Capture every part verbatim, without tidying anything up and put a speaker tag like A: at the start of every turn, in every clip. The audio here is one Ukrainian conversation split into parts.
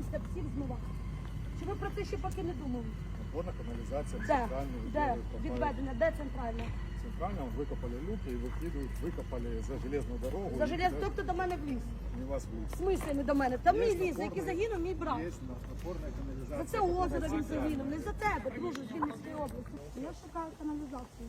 A: після псів змивати? Чи ви про це ще поки не думали?
B: Опорна каналізація,
A: Де?
B: центральну
A: Де відведення? Де центральна?
B: Центрально викопали люки і викидують, викопали за железну дорогу.
A: За
B: і
A: желез,
B: туди-
A: тобто до мене в ліс.
B: Не вас в ліс.
A: В смислі не до мене? Та
B: Є
A: мій ліс,
B: опорний-
A: який загинув, мій брат.
B: Є опорна каналізація.
A: За це озеро він загинув, не за тебе, друже, з Вінницької області. Я шукаю каналізацію.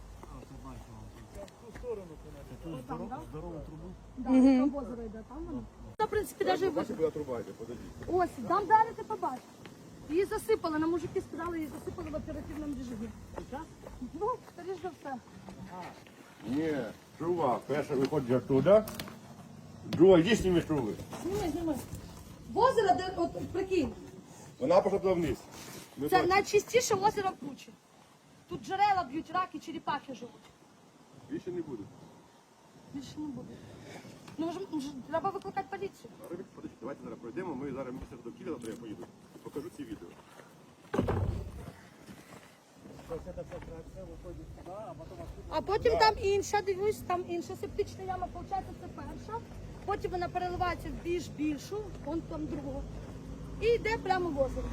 A: Отам, да?
B: Здорову трубу.
A: Да, там озеро йде, там воно. Та, в принципі, навіть
B: Бачите, куди труба йде, подождіть.
A: ось, там далі ти побачиш. Її засипали, на мужики сказали, її засипали в оперативному режимі. Ну, скоріш за все.
C: Ні, труба. Перша виходить оттуда. Друга, йди зніми труби.
A: Зніми, зніми. В озеро, де, от, прикинь,
C: Вона пішла туди вниз. Ми
A: це
C: бачимо.
A: найчистіше озеро в Кручі. Тут джерела б'ють, раки, черепахи живуть.
C: Більше не буде.
A: Більше не буде. Ну, може, може, треба викликати поліцію.
C: Зараз, подожди, давайте зараз пройдемо. Ми зараз місце до Києва, то я поїду. Покажу ці відео.
A: А потім там інша, дивлюсь, там інша септична яма, виходить, це перша. Потім вона переливається в більш більшу, вон там другу. І йде прямо в озеро.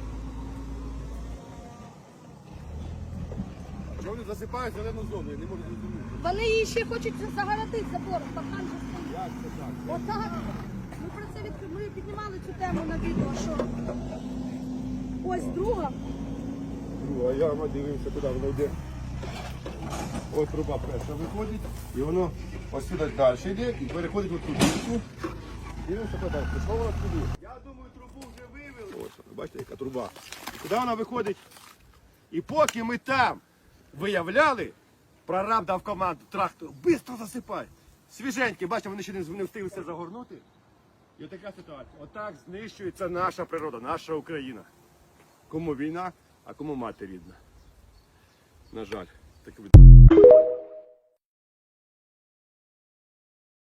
C: Вони засипають зелену зону, я не можу зрозуміти.
A: Вони її ще хочуть загородити забором, паркан же стоїть.
C: Як це так?
A: Отак. Ми про це від... ми піднімали цю тему на відео, що ось друга.
C: Друга яма, дивимося, куди воно йде. Ось труба перша виходить, і воно ось сюди далі йде і переходить отут. Дивимося, куди далі. Пішла вона туди. Я думаю, трубу вже вивели. Ось, бачите, яка труба. І куди вона виходить? І поки ми там виявляли, прораб дав команду трактору, швидко засипай. Свіженькі, бачите, вони ще не не встигли все загорнути. І така ситуація. Отак знищується наша природа, наша Україна. Кому війна, а кому мати рідна. На жаль, таке буде.